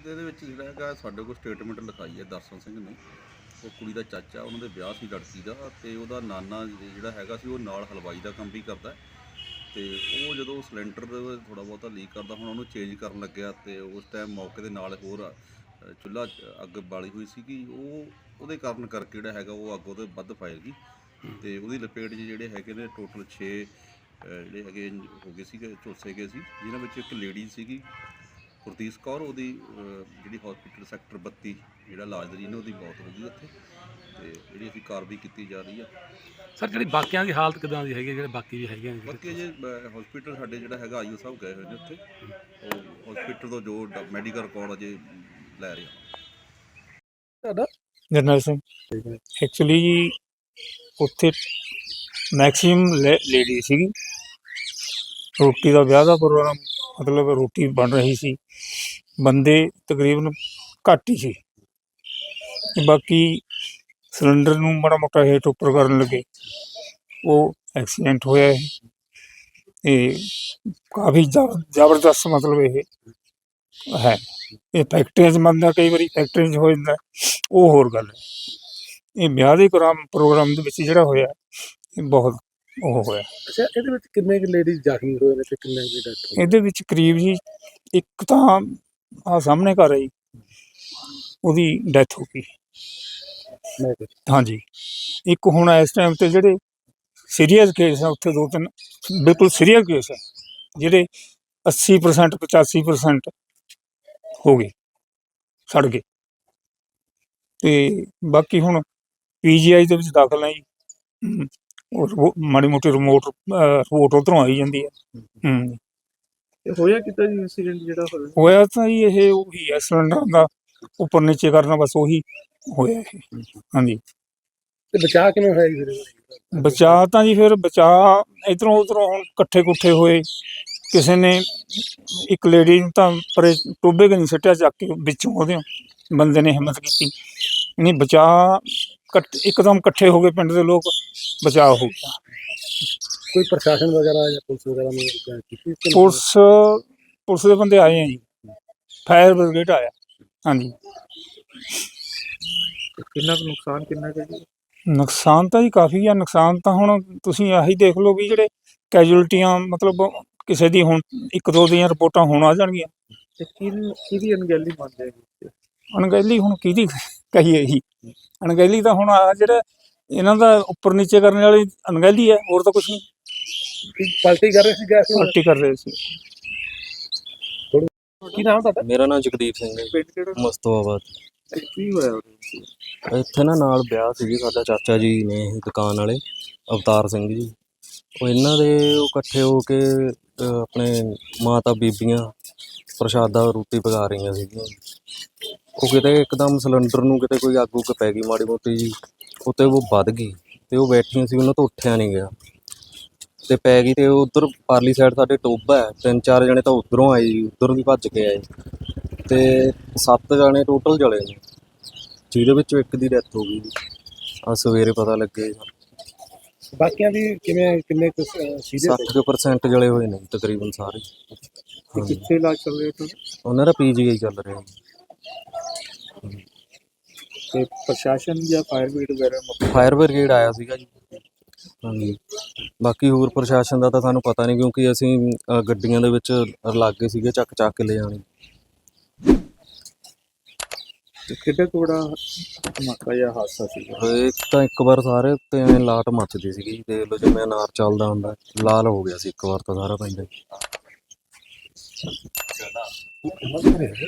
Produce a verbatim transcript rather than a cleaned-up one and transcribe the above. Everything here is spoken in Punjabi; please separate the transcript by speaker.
Speaker 1: ਤੇ ਇਹਦੇ ਵਿੱਚ ਜਿਹੜਾ ਹੈਗਾ ਸਾਡੇ ਕੋਲ ਸਟੇਟਮੈਂਟ ਲਿਖਾਈ ਹੈ ਦਰਸ਼ਨ ਸਿੰਘ ਨੇ। ਉਹ ਕੁੜੀ ਦਾ ਚਾਚਾ, ਉਹਨਾਂ ਦੇ ਵਿਆਹ ਸੀ ਲੜਕੀ ਦਾ, ਅਤੇ ਉਹਦਾ ਨਾਨਾ ਜਿਹੜਾ ਹੈਗਾ ਸੀ ਉਹ ਨਾਲ ਹਲਵਾਈ ਦਾ ਕੰਮ ਵੀ ਕਰਦਾ। ਅਤੇ ਉਹ ਜਦੋਂ ਸਿਲੰਡਰ ਥੋੜ੍ਹਾ ਬਹੁਤਾ ਲੀਕ ਕਰਦਾ, ਹੁਣ ਉਹਨੂੰ ਚੇਂਜ ਕਰਨ ਲੱਗਿਆ ਅਤੇ ਉਸ ਟਾਈਮ ਮੌਕੇ ਦੇ ਨਾਲ ਹੋਰ ਚੁੱਲ੍ਹਾ ਅੱਗ ਬਾਲੀ ਹੋਈ ਸੀਗੀ। ਉਹ ਉਹਦੇ ਕਾਰਨ ਕਰਕੇ ਜਿਹੜਾ ਹੈਗਾ ਉਹ ਅੱਗ ਉਹਦੇ ਵੱਧ ਫੈਲ ਗਈ ਅਤੇ ਉਹਦੀ ਲਪੇਟ 'ਚ ਜਿਹੜੇ ਹੈਗੇ ਨੇ ਟੋਟਲ ਛੇ ਜਿਹੜੇ ਹੈਗੇ ਹੋ ਗਏ ਸੀਗੇ, ਝੁਲਸੇ ਗਏ ਸੀ, ਜਿਨ੍ਹਾਂ ਵਿੱਚ ਇੱਕ ਲੇਡੀ ਸੀਗੀ ਗੁਰਦੀਪ ਕੌਰ, ਉਹਦੀ ਜਿਹੜੀ ਹੌਸਪੀਟਲ ਸੈਕਟਰ ਬੱਤੀ ਜਿਹੜਾ ਇਲਾਜ ਨੇ ਉਹਦੀ ਮੌਤ ਹੋ ਗਈ ਉੱਥੇ। ਅਤੇ ਜਿਹੜੀ ਅਸੀਂ ਕਾਰਵਾਈ ਕੀਤੀ ਜਾ ਰਹੀ ਆ।
Speaker 2: ਸਰ ਜਿਹੜੀ ਬਾਕੀਆਂ ਦੀ ਹਾਲਤ ਕਿੱਦਾਂ ਦੀ ਹੈਗੀ, ਜਿਹੜੇ ਬਾਕੀ ਵੀ ਹੈਗੇ ਨੇ?
Speaker 1: ਬਾਕੀ ਜੇ ਹੌਸਪੀਟਲ ਸਾਡੇ ਜਿਹੜਾ ਹੈਗਾ ਆਈਓ ਸਾਹਿਬ ਗਏ ਹੋਏ ਨੇ ਉੱਥੇ, ਉਹ ਹੌਸਪੀਟਲ ਤੋਂ ਜੋ ਮੈਡੀਕਲ ਰਿਕਾਰਡ ਅਜੇ ਲੈ ਰਹੇ ਆ।
Speaker 2: ਤੁਹਾਡਾ?
Speaker 3: ਜਰਨੈਲ ਸਿੰਘ। ਐਕਚੁਅਲੀ ਜੀ ਉੱਥੇ ਮੈਕਸੀਮਮ ਲੇਡੀ ਸੀਗੀ। ਰੋਟੀ ਦਾ ਵਿਆਹ ਦਾ ਪ੍ਰੋਗਰਾਮ, ਮਤਲਬ ਰੋਟੀ ਬਣ ਰਹੀ ਸੀ, ਬੰਦੇ ਤਕਰੀਬਨ ਘੱਟ ਹੀ ਸੀ। ਬਾਕੀ ਸਿਲੰਡਰ ਨੂੰ ਮਾੜਾ ਮੋਟਾ ਹੇਠ ਉੱਪਰ ਕਰਨ ਲੱਗੇ, ਉਹ ਐਕਸੀਡੈਂਟ ਹੋਇਆ ਇਹ। ਅਤੇ ਕਾਫੀ ਜ਼ਬ ਜ਼ਬਰਦਸਤ ਮਤਲਬ ਇਹ ਹੈ। ਇਹ ਫੈਕਟਰੀਆਂ 'ਚ ਬਣਦਾ, ਕਈ ਵਾਰੀ ਫੈਕਟਰੀਆਂ 'ਚ ਹੋ ਜਾਂਦਾ, ਉਹ ਹੋਰ ਗੱਲ ਹੈ। ਇਹ ਵਿਆਹ ਦੇ ਪ੍ਰੋਗਰਾਮ ਪ੍ਰੋਗਰਾਮ ਦੇ ਵਿੱਚ ਜਿਹੜਾ ਹੋਇਆ, ਇਹ ਬਹੁਤ ਉਹ ਹੋਇਆ।
Speaker 2: ਅੱਛਾ, ਇਹਦੇ ਵਿੱਚ ਕਿੰਨੇ ਕੁ ਲੇਡੀਜ਼ ਜ਼ਖਮੀ ਹੋਏ ਨੇ ਤੇ ਕਿੰਨੇ ਦੀ ਡੈਥ ਹੋਈ?
Speaker 3: ਇਹਦੇ ਵਿੱਚ ਕਰੀਬ ਜੀ ਇੱਕ ਤਾਂ ਆਹ ਸਾਹਮਣੇ ਘਰ ਆਈ, ਉਹਦੀ ਡੈਥ ਹੋ ਗਈ। ਹਾਂਜੀ, ਇੱਕ ਹੁਣ ਇਸ ਟਾਈਮ 'ਤੇ ਜਿਹੜੇ ਸੀਰੀਅਸ ਕੇਸ ਆ ਉੱਥੇ ਦੋ ਤਿੰਨ ਬਿਲਕੁਲ ਸੀਰੀਅਸ ਕੇਸ ਆ, ਜਿਹੜੇ ਅੱਸੀ ਪਰਸੈਂਟ ਪਚਾਸੀ ਪਰਸੈਂਟ ਹੋ ਗਏ, ਸੜ ਗਏ। ਅਤੇ ਬਾਕੀ ਹੁਣ ਪੀ ਜੀ ਆਈ ਦੇ ਵਿੱਚ ਦਾਖਲ ਆ ਜੀ। ਉਹ ਮਾੜੀ ਮੋਟੀ ਰਿਮੋਟ ਰਿਪੋਰਟ ਉੱਧਰੋਂ ਆਈ ਜਾਂਦੀ ਹੈ। ਹੂੰ
Speaker 2: ਹੋਇਆ ਕਿੱਦਾਂ ਜੀ ਇੰਸੀਡੈਂਟ ਜਿਹੜਾ ਹੋਇਆ?
Speaker 3: ਹੋਇਆ ਤਾਂ ਜੀ ਇਹ ਉਹੀ ਹੈ, ਸਿਲੰਡਰ ਦਾ ਉੱਪਰ ਨੀਚੇ ਕਰਨਾ, ਬਸ ਉਹੀ ਹੋਇਆ ਇਹ। ਹਾਂਜੀ।
Speaker 2: ਤੇ ਬਚਾਅ ਕਿਵੇਂ ਹੋਇਆ ਜੀ ਫਿਰ?
Speaker 3: ਬਚਾਅ ਤਾਂ ਜੀ ਫਿਰ ਬਚਾਅ ਇੱਧਰੋਂ ਉੱਧਰੋਂ ਹੁਣ ਇਕੱਠੇ ਕੁੱਠੇ ਹੋਏ। ਕਿਸੇ ਨੇ ਇੱਕ ਲੇਡੀ ਨੂੰ ਤਾਂ ਪਰੇ ਟੋਭੇ ਕਨੀ ਸਿੱਟਿਆ ਚੱਕ ਕੇ, ਵਿੱਚੋਂ ਉਹਦੇ ਬੰਦੇ ਨੇ ਹਿੰਮਤ ਕੀਤੀ, ਨਹੀਂ ਬਚਾਅ ਇਕੱਠ ਇੱਕਦਮ ਇਕੱਠੇ ਹੋ ਗਏ ਪਿੰਡ ਦੇ ਲੋਕ, ਬਚਾਅ ਹੋ ਗਿਆ।
Speaker 2: ਕੋਈ ਪ੍ਰਸ਼ਾਸਨ ਵਗੈਰਾ ਜਾਂ ਪੁਲਿਸ ਵਗੈਰਾ ਨੇ ਕੀਤੀ?
Speaker 3: ਪੁਲਿਸ ਪੁਲਿਸ ਦੇ ਬੰਦੇ ਆਏ ਆ ਜੀ, ਫਾਇਰ ਬ੍ਰਿਗੇਡ ਆਇਆ। ਹਾਂਜੀ।
Speaker 2: ਕਿੰਨਾ ਕੁ ਨੁਕਸਾਨ ਕਿੰਨਾ ਕੁ ਜੀ?
Speaker 3: ਨੁਕਸਾਨ ਤਾਂ ਜੀ ਕਾਫੀ ਆ। ਨੁਕਸਾਨ ਤਾਂ ਹੁਣ ਤੁਸੀਂ ਆਹੀ ਦੇਖ ਲਓ ਵੀ ਜਿਹੜੇ ਕੈਜੂਅਲਟੀਆਂ, ਮਤਲਬ ਕਿਸੇ ਦੀ ਹੁਣ ਇੱਕ ਦੋ ਦੀਆਂ ਰਿਪੋਰਟਾਂ ਹੁਣ ਆ ਜਾਣਗੀਆਂ।
Speaker 2: ਤੇ ਕਿਹਦੀ ਕਿਹਦੀ ਅਣਗਹਿਲੀ ਮੰਨਦੇ ਜੀ?
Speaker 3: ਅਣਗਹਿਲੀ ਹੁਣ ਕਿਹਦੀ ਕਹੀਏ ਜੀ? ਅਣਗਹਿਲੀ ਤਾਂ ਹੁਣ ਆ ਜਿਹੜਾ ਇਹਨਾਂ ਦਾ ਉੱਪਰ ਨੀਚੇ ਕਰਨ ਵਾਲੀ ਅਣਗਹਿਲੀ ਹੈ, ਹੋਰ ਤਾਂ ਕੁਛ ਨਹੀਂ।
Speaker 2: ਪਾਰਟੀ ਕਰ ਰਹੇ ਸੀ ਗੈਸ
Speaker 3: ਪਾਰਟੀ ਕਰ ਰਹੇ ਸੀ।
Speaker 2: ਕੀ ਨਾਮ ਤੁਹਾਡਾ?
Speaker 4: ਮੇਰਾ ਨਾਮ ਜਗਦੀਪ ਸਿੰਘ ਹੈ,
Speaker 2: ਪਿੰਡ ਕਿਹੜਾ?
Speaker 4: ਮਸਤੋਆਬਾਦ।
Speaker 2: ਕੀ ਹੋਇਆ
Speaker 4: ਇੱਥੇ ਨਾ ਨਾਲ ਵਿਆਹ ਸੀਗੀ, ਸਾਡਾ ਚਾਚਾ ਜੀ ਨੇ ਇਹ ਦੁਕਾਨ ਵਾਲੇ ਅਵਤਾਰ ਸਿੰਘ ਜੀ। ਉਹ ਇਹਨਾਂ ਦੇ ਉਹ ਇਕੱਠੇ ਹੋ ਕੇ ਆਪਣੇ ਮਾਤਾ ਬੀਬੀਆਂ ਪ੍ਰਸ਼ਾਦਾ ਰੋਟੀ ਪਕਾ ਰਹੀਆਂ ਸੀਗੀਆਂ। ਉਹ ਕਿਤੇ ਇੱਕਦਮ ਸਿਲੰਡਰ ਨੂੰ ਕਿਤੇ ਕੋਈ ਅੱਗ ਉੱਗ ਪੈ ਗਈ ਮਾੜੀ ਮੋਟੀ ਜੀ, ਉੱਤੇ ਉਹ ਵੱਧ ਗਈ ਅਤੇ ਉਹ ਬੈਠੀਆਂ ਸੀ, ਉਹਨਾਂ ਤੋਂ ਉੱਠਿਆ ਨਹੀਂ ਗਿਆ ਅਤੇ ਪੈ ਗਈ। ਅਤੇ ਉੱਧਰ ਪਰਲੀ ਸਾਈਡ ਸਾਡੇ ਟੋਭਾ ਹੈ, ਤਿੰਨ ਚਾਰ ਜਣੇ ਤਾਂ ਉੱਧਰੋਂ ਆਏ ਜੀ, ਉੱਧਰ ਵੀ ਭੱਜ ਕੇ ਆਏ ਅਤੇ ਸੱਤ ਜਣੇ ਟੋਟਲ ਜਲੇ ਨੇ, ਜਿਹਦੇ ਵਿੱਚੋਂ ਇੱਕ ਦੀ ਡੈਥ ਹੋ ਗਈ ਜੀ। ਆਹ ਸਵੇਰੇ ਪਤਾ ਲੱਗੇ।
Speaker 2: ਬਾਕੀਆਂ ਦੀ ਕਿਵੇਂ ਕਿੰਨੇ ਕੁ
Speaker 4: ਸੱਠ ਕੁ ਪਰਸੈਂਟ ਜਲੇ ਹੋਏ ਨੇ ਤਕਰੀਬਨ ਸਾਰੇ।
Speaker 2: ਕਿੱਥੇ ਇਲਾਜ ਚੱਲ ਰਿਹਾ ਤੁਹਾਡਾ?
Speaker 4: ਉਹਨਾਂ ਦਾ ਪੀ ਜੀ ਆਈ ਚੱਲ ਰਿਹਾ ਜੀ।
Speaker 2: ਤੇ ਪ੍ਰਸ਼ਾਸਨ ਜਾਂ ਫਾਇਰ ਬ੍ਰਿਗੇਡ ਵਗੈਰਾ?
Speaker 4: ਫਾਇਰ ਬ੍ਰਿਗੇਡ ਆਇਆ ਸੀਗਾ ਜੀ। ਹਾਂਜੀ, ਬਾਕੀ ਹੋਰ ਪ੍ਰਸ਼ਾਸਨ ਦਾ ਤਾਂ ਸਾਨੂੰ ਪਤਾ ਨਹੀਂ, ਕਿਉਂਕਿ ਅਸੀਂ ਗੱਡੀਆਂ ਦੇ ਵਿੱਚ ਲਾਗੇ ਸੀਗੇ, ਚੱਕ ਚੱਕ ਕੇ ਲੈ ਜਾਣੇ।
Speaker 2: ਕਿੱਡਾ ਕੁ ਬੜਾ ਧਮਾਕਾ ਜਾਂ ਹਾਦਸਾ ਸੀਗਾ?
Speaker 4: ਇੱਕ ਤਾਂ ਇੱਕ ਵਾਰ ਸਾਰੇ ਉੱਤੇ ਐਂ ਲਾਟ ਮੱਚਦੀ ਸੀਗੀ, ਦੇਖ ਲਓ ਜਿਵੇਂ ਅਨਾਰ ਚੱਲਦਾ ਹੁੰਦਾ, ਲਾਲ ਹੋ ਗਿਆ ਸੀ ਇੱਕ ਵਾਰ ਤਾਂ ਸਾਰਾ ਪਿੰਡ।